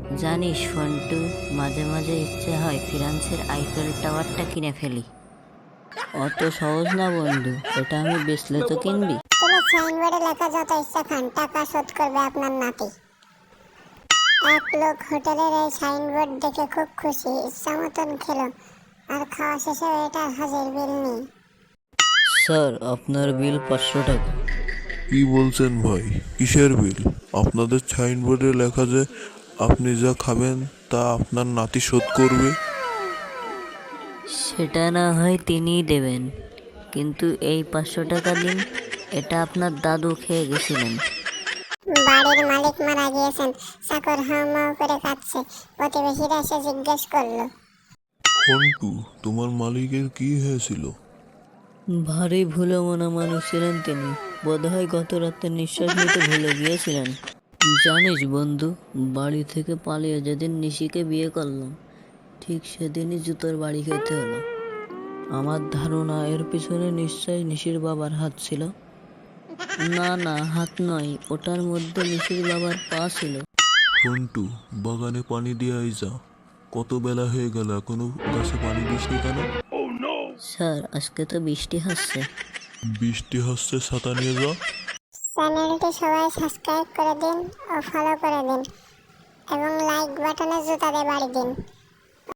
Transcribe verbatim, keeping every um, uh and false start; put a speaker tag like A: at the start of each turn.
A: জানিস ফন্টু, মাঝে মাঝে ইচ্ছে হয় ফ্রান্সের আইফেল টাওয়ারটা কিনে ফেলি। অত সহজ না বন্ধু, এটা আমি বেচলে তো কিনবি।
B: তুমি সাইনবোর্ডে লেখা যত ইচ্ছা খান, টাকা শোধ করবে আপনার নাতি। এক লোক হোটেলের এই সাইনবোর্ড দেখে খুব খুশি, ইচ্ছা মতন খেলো, আর খাওয়া শেষে এটার হাজির বিল নেই।
A: স্যার, আপনার বিল পাঁচশো টাকা।
C: কি বলছেন ভাই? কিসের বিল? আপনাদের সাইনবোর্ডে লেখা যে আপনি যা খাবেন তা আপনার নাতি শোধ করবে।
A: সেটা না হয় তিনিই দেবেন, কিন্তু এই পাঁচশো টাকা দিন, এটা আপনার দাদু খেয়ে গেছিলেন।
B: বাড়ির মালিক মারা গিয়েছেন, চাকর হাউমাউ করে কাঁদছে। প্রতিবেশীরা এসে জিজ্ঞেস করলো,
C: ফন্টু, তোমার মালিকের কি হয়েছিল?
A: ভারী ভুলো মনা মানুষ ছিলেন তিনি, বোধহয় গত রাতে নিঃশ্বাস নিতে ভুলে গিয়েছিলেন। জানিস বন্ধু, বাড়ি থেকে পালিয়ে যেদিন নিশিকে বিয়ে করলাম, ঠিক সেদিনই জুতোর বাড়ি খেতে হলো। আমার ধারণা এর পিছনে নিশ্চয়ই নিশির বাবার হাত ছিল। না না, হাত নয়, ওটার মধ্যে নিশির বাবার পা ছিল।
C: ফন্টু, বাগানে পানি দিয়ে আই যা। কত বেলা হয়ে গেল, এখনো গাছে পানি দিসনি কেন?
A: স্যার, আজকে তো বৃষ্টি হচ্ছে।
C: বৃষ্টি হচ্ছে, ছাতা নিয়ে যা।
B: চ্যানেলটি সবাই সাবস্ক্রাইব করে দিন ও ফলো করে দিন এবং লাইক বাটনে জুতা দিয়ে বাড়ি দিন।